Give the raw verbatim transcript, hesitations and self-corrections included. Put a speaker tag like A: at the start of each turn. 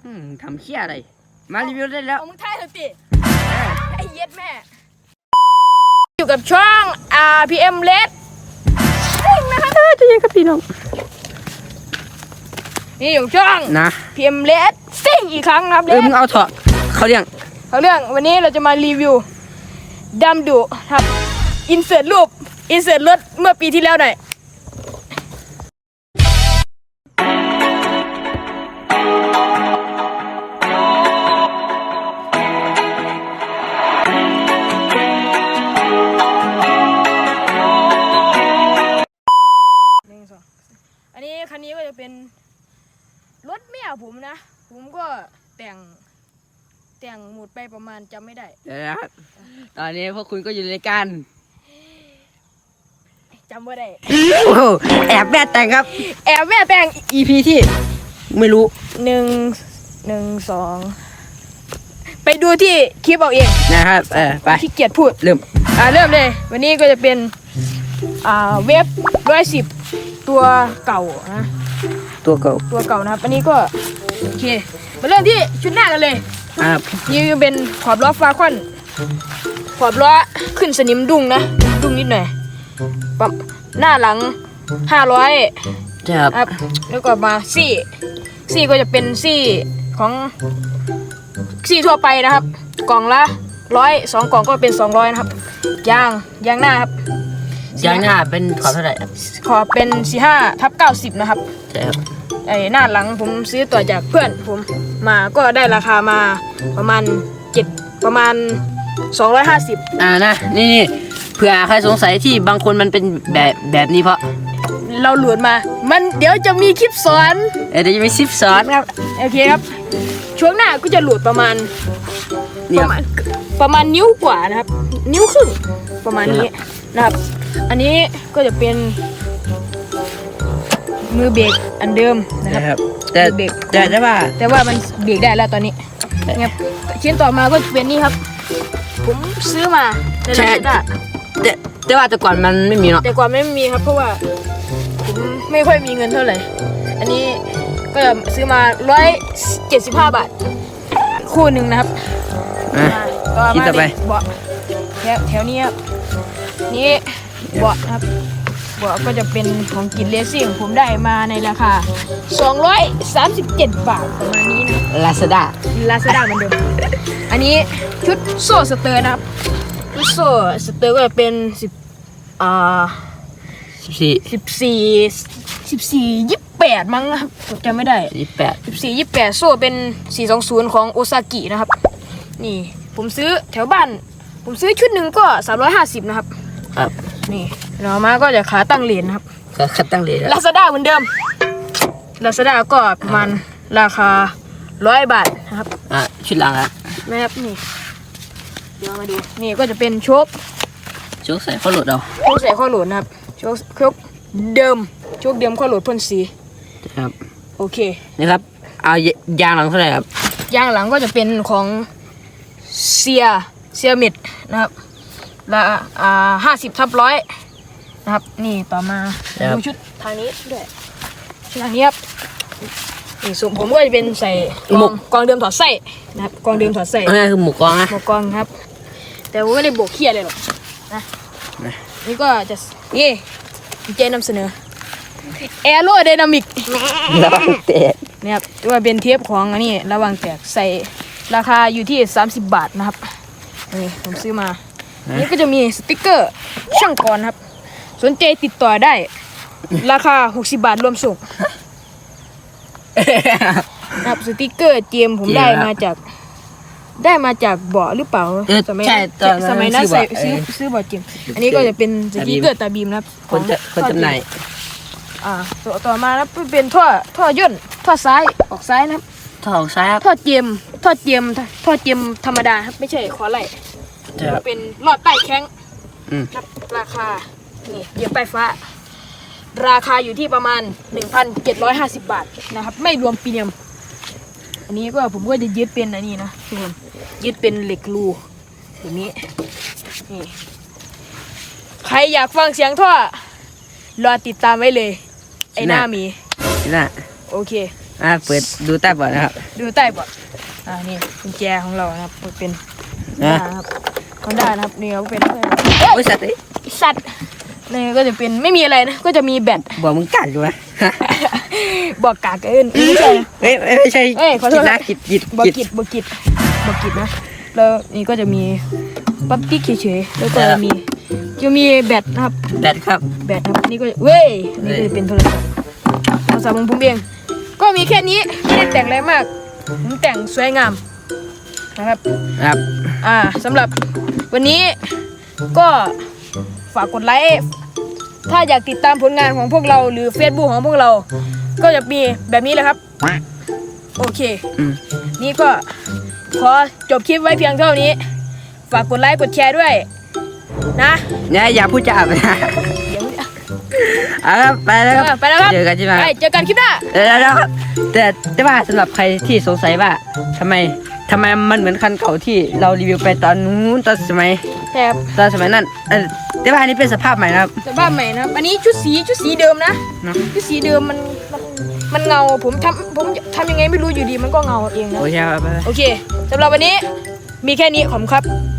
A: ทำเชี่ยอะไรมารีวิวได้แล้ว
B: มึงถ่ายเถอะติไอ้เย็ดแม่อยู่กับช่อง อาร์ พี เอ็ม Red ซิ่งนะคะจะยังกับพี่น้องนี่อยู่ช่อง
A: นะ
B: พี เอ็ม Red ซิ่งอีกครั้งนะครับ
A: เออมึงเอาเถอะเขาเรื่อง
B: เขาเรื่องวันนี้เราจะมารีวิวดำดุครับอินเสิร์ตรูปอินเสิร์ตรถเมื่อปีที่แล้วหน่อยอันนี้คันนี้ก็จะเป็นรถแม่ผมนะผมก็แต่งแต่งหมดไปประมาณจำไม่ได้
A: เดี๋ยวนะครับตอนนี้พวกคุณก็อยู่ในการ
B: จำไม่ได้
A: โอ้โหแอบแม่แต่งครับ
B: แอบแม่แต่ง
A: อี พี ที่ไม่รู้
B: หนึ่งหนึ่งสองไปดูที่คลิปเอาเอง
A: นะครับเออไป
B: ขี้เกียจพูด
A: เริ่ม
B: อ่าเริ่มเลยวันนี้ก็จะเป็นอ่าเว็บร้อยสิบตัวเก่านะ
A: ตัวเก่า
B: ตัวเก่านะครับอันนี้ก็โอเคมาเริ่มที่ชุดหน้ากันเลย
A: ครับ
B: นี่เป็นขอบล้อฟ้าควันขอบล้อขึ้นสนิมดุ้งนะดุ้งนิดหน่อยปั๊มหน้าหลังห้าร้อย
A: ครับ
B: แล้วก็มาซี่ซี่ก็จะเป็นซี่ของซี่ทั่วไปนะครับกล่องละร้อยสองกล่องก็เป็นสองร้อยนะครับยางยางหน้าครับ
A: ยางหน้าเป็นขอบเท่าไหร่
B: ขอบเป็นสี่ห้าทับเก้าสิบนะครับ
A: ใช่ครับ
B: ไอ้หน้าหลังผมซื้อต่อจากเพื่อนผมมาก็ได้ราคามาประมาณเจ็ดประมาณสองร้อยห้าสิบ
A: อ่านะนี่นี่เผื่อใครสงสัยที่บางคนมันเป็นแบบแบบนี้เพราะ
B: เราหลุดมามันเดี๋ยวจะมีคลิปสอน
A: เดี๋ยวจะมีคลิปสอน
B: ครับโอเคครับช่วงหน้าก็จะหลุดประมาณประมาณประมาณนิ้วกว่านะครับนิ้วครึ่งประมาณนี้นะครับอันนี้ก็จะเป็นมือเบรกอันเดิมนะครับ
A: แต่เบรกแต่แต่ว่า
B: แต่ว่ามันเบรกได้แล้วตอนนี้เนี่ยชิ้นต่อมาก็เป็นนี่ครับผมซื้อมา
A: ใช่แต่แต่ว่าแต่ก่อนมันไม่มีเนาะ
B: แต่ก่อนไม่มีครับเพราะว่าผมไม่ค่อยมีเงินเท่าไหร่อันนี้ก็ซื้อมาร้อยเจ็ดสิบห้าบาทคู่หนึ่งนะครับ
A: ต่อมาต่อไป
B: เบาะแถวแถวนี้ครับนี่เบาะครับเบาะก็จะเป็นของกินเลสซิ่งผมได้มาในราคาสองร้อยสามสิบเจ็ดบาทประมาณนี้นะ
A: Lazada
B: Lazada เหมือนเดิมอันนี้ชุดโซ่สเตอร์นะครับชุดโซ่สเตอร์ก็จะเป็นสิบอ่า
A: สิบสี่
B: สิบสี่สิบสี่ยี่สิบแปดมั้งครับจำไม่ได้
A: ยี่สิบแปด
B: สิบสี่ยี่สิบแปดโซ่เป็นสี่สองศูนย์ของโอซากินะครับนี่ผมซื้อแถวบ้านผมซื้อชุดหนึ่งก็สามร้อยห้าสิบนะครับ
A: ครับ
B: นี่เรามาก็จะขาตั้งเหรียญครับ
A: ขาตั้งเหรียญ
B: Lazada เหมือนเดิม Lazada ก็ประมาณราคาร้อยบาทนะครับ
A: อ่ะชุดหลังอ่ะ
B: แม่ครับนี่เดี๋ยวมาดูนี่ก็จะเป็นโชค
A: โชคใส่ข้อหลุดเอา
B: โชคใส่ข้อหลุดนะครับโชคโชคเดิมโชคเดิมข้อหลุดพ่นสี
A: ครับ
B: โอเค
A: นี่ครับเอายางหลังเท่าไหร่ครับ
B: ยางหลังก็จะเป็นของเซียเซียมิดนะครับละอ่าห้าสิบทับร้อยนะครับนี่ต่อมาดูชุดทางนี้ด้วยชุดทางนี้ครับนี่ส่วนผมก็จะเป็นใส่กองกองเดิมถอดไส้นะครับกองเดิมถอดไส้
A: นี่คือหมูกองนะ
B: หมูกองครับแต่ผมไม่ได้โบกเขี้ยเลยหรอกนะนี่ก็จะนี่เจนำเสนอแอโรไดนามิก
A: ระวังแตก
B: นี่ครับว่าเป็นเทปของอันนี้ระวังแตกใส่ราคาอยู่ที่สามสิบบาทนะครับนี่ผมซื้อมานี่ก็จะมีสติ๊กเกอร์ช่างก่อนครับสนใจติดต่อได้ราคาหกสิบบาทรวมส่งครับสติ๊กเกอร์เจมผมได้มาจากได้มาจากเบาะหรือเปล่า
A: สมัย
B: สมัยนั้นใส่ซื้อซื้อเบาะเจมอันนี้ก็จะเป็นสติ๊กเกอร์ตาบีมนะครับ
A: คนจะคนจำหน่าย
B: อ่าต่อต่อมาแล้วเป็นท่อท่อย่นท่อซ้ายออกซ้ายนะครับ
A: ท่อออกซ้ายครับ
B: ท่อเจมท่อเจมท่อเจมธรรมดาครับไม่ใช่ขอไหลเป็นหลอดใต้แข้งราคานี่เยียบไฟฟ้าราคาอยู่ที่ประมาณ หนึ่งพันเจ็ดร้อยห้าสิบ บาทนะครับไม่รวมปีเนียมอันนี้ก็ผมก็จะยึดเป็นอันนี้นะทุกคนยึดเป็นเหล็กรูแบบนี้นี่ใครอยากฟังเสียงท่อรอติดตามไว้เลยไอ้หน้ามี
A: น่ะ
B: โอเค
A: อ่าเปิดดูใต้เบาะนะครับ
B: ดูใต้เบาะอ่านี่กุญแจของเรานะครับเป็น
A: นะ
B: นะครับของด้านนะครับนี่ก็เป็น
A: โอ้ยสัตว์เอ้ย
B: สัตว์นี่ก็จะเป็นไม่มีอะไรนะก็จะมีแบต
A: บอกมึงกัดอยู่นะ
B: บอกกากเกินไม่ใช่
A: เอ้ยไม่ใช่
B: เอ้ยขอโทษ
A: กิจนะกิจกิจ
B: บอก
A: กิจ
B: กิดบอกกิดบอกกิดนะแล้วนี่ก็จะมีปั๊บติ๊กเฉยๆแล้วก็มีจะมีแบตนะครับ
A: แบตครับ
B: แบตครับนี่ก็เว้ยนี่ก็จะเป็นโทรศัพท์โทรศัพท์ของผมเองก็มีแค่นี้ไม่ได้แต่งอะไรมากผมแต่งสวยงามนะครับ
A: ครับ
B: อ่าสำหรับวันนี้ก็ฝากกดไลค์ถ้าอยากติดตามผลงานของพวกเราหรือ Facebook ของพวกเรา ก็จะมีแบบนี้เลยครับโอเค
A: อืม
B: นี่ก็ขอจบคลิปไว้เพียงเท่านี้ ฝากกดไลค์กดแชร์ด้วยนะ
A: เนี่ยอย่าพูดจาไปนะ
B: เดี๋ยว
A: เอาครับไปแล้วครับ
B: ไปแล้วครับ
A: เจอกันใช่ไหม
B: ไปเจอกันคลิปหน้า
A: เดี๋ยวนะครับแต่แต่ว่าสำหรับใครที่สงสัยว่าทำไมทำไมมันเหมือนคันเก่าที่เรารีวิวไปตอนนู้นตอนสมัย
B: แถบ
A: ตอนสมัยนั้นเออแต่ว่าอันนี้เป็นสภาพใหม่นะครับ
B: สภาพใหม่นะครับอันนี้ชุดสีชุดสีเดิมนะ
A: เนอะ
B: ชุดสีเดิมมันมันมันเงาผมทำผมทำยังไงไม่รู้อยู่ดีมันก็เงาเองนะ
A: โอเคครับไป
B: โอเคสำหรับวันนี้มีแค่นี้ขอบคุณครับ